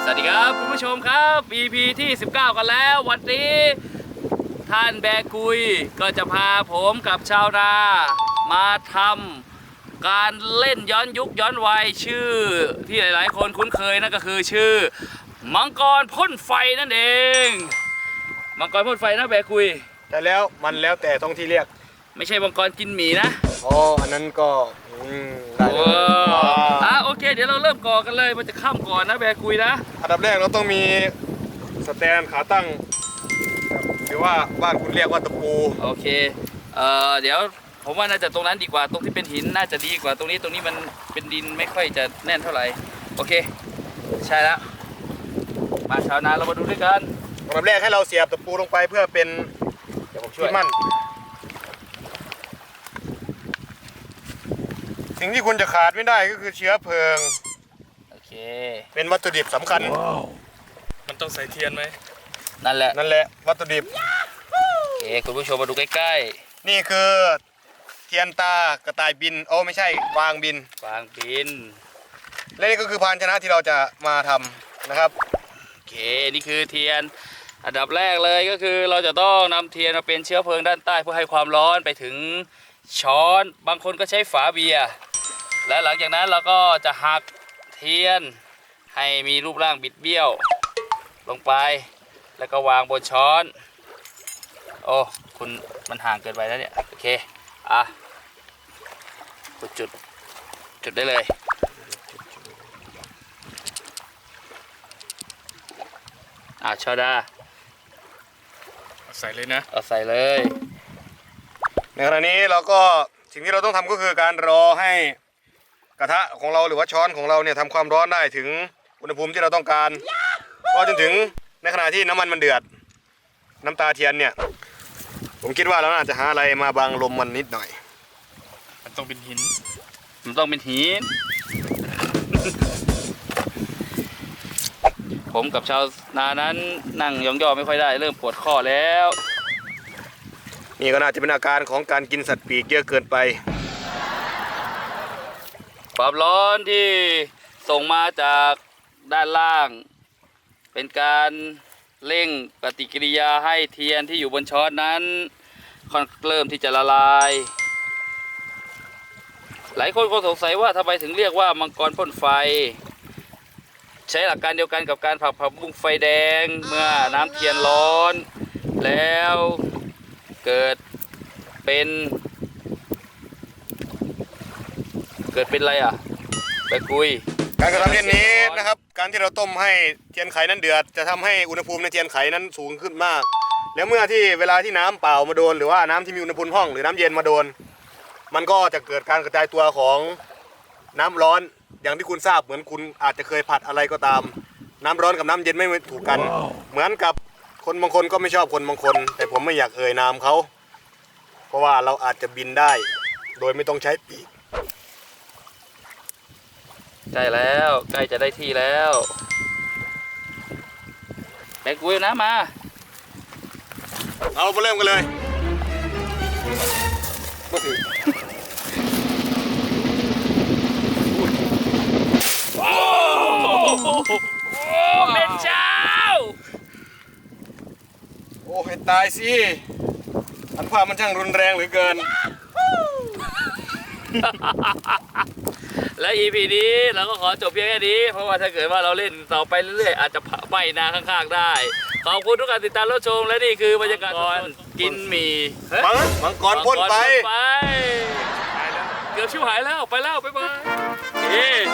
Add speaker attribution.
Speaker 1: สวัสดีครับคุณผู้ชมครับ EP ที่ 19 กันแล้ววันนี้ท่านแบกุยก็จะพาผมกับชาวนามาทำการเล่นย้อนยุคย้อนวัยชื่อที่หลายๆคนคุ้นเคยนั่นก็คือชื่อมังกรพ่นไฟนั่นเองมังกรพ่นไฟนะแบกุย
Speaker 2: แต่แล้วมันแล้วแต่ต้องที่เรียก
Speaker 1: ไม่ใช่มังกรกินหมีนะ
Speaker 2: อ๋ออันนั้นก็ได้เลย
Speaker 1: โอเคเดี๋ยวเราเริ่มก่อกันเลยมันจะข้ามก่อนนะแบกุยนะ
Speaker 2: อันดับแรกเราต้องมีสแตนขาตั้งหรือว่าบ้านคุณเรียกว่าตะปู
Speaker 1: โอเคเดี๋ยวผมว่าน่าจะตรงนั้นดีกว่าตรงที่เป็นหินน่าจะดีกว่าตรงนี้มันเป็นดินไม่ค่อยจะแน่นเท่าไหร่โอเคใช่แล้วมาชาวนาเรามาดูด้วยกัน
Speaker 2: อันดับแรกให้เราเสียบตะปูลงไปเพื่อเป็นเดี๋ยวผมช่วยมั่นสิ่งที่คุณจะขาดไม่ได้ก็คือเชื้อเพลิง
Speaker 1: โอเค
Speaker 2: เป็นวัตถุดิบสำคัญ
Speaker 3: มันต้องใส่เทียนไหม
Speaker 1: นั่นแหละ
Speaker 2: วัตถุดิบ
Speaker 1: โอเคคุณผู้ชมมาดูใกล้
Speaker 2: ๆนี่คือเทียนตากระต่ายบินโอ้ไม่ใช่วางบินและนี่ก็คือภาชนะที่เราจะมาทำนะครับ
Speaker 1: โอเคนี่คือเทียนอันดับแรกเลยก็คือเราจะต้องนำเทียนมาเป็นเชื้อเพลิงด้านใต้เพื่อให้ความร้อนไปถึงช้อนบางคนก็ใช้ฝาเบียร์และหลังจากนั้นเราก็จะหักเทียนให้มีรูปร่างบิดเบี้ยวลงไปแล้วก็วางบนช้อนโอ้คุณมันห่างเกินไปแล้วเนี่ยโอเคกดจุดได้เลยชาดา
Speaker 3: ใส่เลยนะ
Speaker 1: เอาใส่เลย
Speaker 2: ในขณะนี้เราก็สิ่งที่เราต้องทำก็คือการรอให้กระทะของเราหรือว่าช้อนของเราเนี่ยทำความร้อนได้ถึงอุณหภูมิที่เราต้องการรอจนถึงในขณะที่น้ำมันเดือดน้ำตาเทียนเนี่ยผมคิดว่าเราน่าจะหาอะไรมาบังลมมันนิดหน่อย
Speaker 3: มันต้องเป็นหิน
Speaker 1: ผมกับชาวนานั้นนั่งย่อไม่ค่อยได้เริ่มปวดข้อแล้ว
Speaker 2: นี่ก็น่าจะเป็นอาการของการกินสัตว์ปีกเยอะเกินไป
Speaker 1: ความร้อนที่ส่งมาจากด้านล่างเป็นการเร่งปฏิกิริยาให้เทียนที่อยู่บนช้อนนั้นเริ่มที่จะละลายหลายคนก็สงสัยว่าทำไมถึงเรียกว่ามังกรพ่นไฟใช้หลักการเดียวกันกับการผักบุ้งไฟแดงเมื่อน้ำเทียนร้อนแล้วเกิดเป็นอะไรไปคุย
Speaker 2: การกระทำเช่นนี้นะครับการที่เราต้มให้เทียนไขนั้นเดือดจะทำให้อุณหภูมิในเทียนไขนั้นสูงขึ้นมากแล้วเมื่อที่เวลาที่น้ำเปล่ามาโดนหรือว่าน้ำที่มีอุณหภูมิห้องหรือน้ำเย็นมาโดนมันก็จะเกิดการกระจายตัวของน้ำร้อนอย่างที่คุณทราบเหมือนคุณอาจจะเคยผัดอะไรก็ตามน้ำร้อนกับน้ำเย็นไม่ถูกกันเหมือนกับคนบางคนก็ไม่ชอบคนบางคนแต่ผมไม่อยากเอ่ยนามเขาเพราะว่าเราอาจจะบินได้โดยไม่ต้องใช้ปีก
Speaker 1: ใกล้แล้วใกล้จะได้ที่แล้วแบกกุยนะมา
Speaker 2: เอาไปเริ่มกันเลย
Speaker 1: โอ้เป็นเจ้า
Speaker 2: โอ้ให้ตายสิอันภาพมันช่างรุนแรงเหลือเกิน
Speaker 1: และ EP นี้เราก็ขอจบเพียงแค่นี้เพราะว่าถ้าเกิดว่าเราเล่นต่อไปเรื่อยๆอาจจะไหม้นาข้างๆได้ขอบคุณทุกการติดตามรับชมและนี่คือบรรยากาศกินหมี่
Speaker 2: มังกรพ่นไป
Speaker 1: เกือบชิวหายแล้วไปแล้วบ๊ายบาย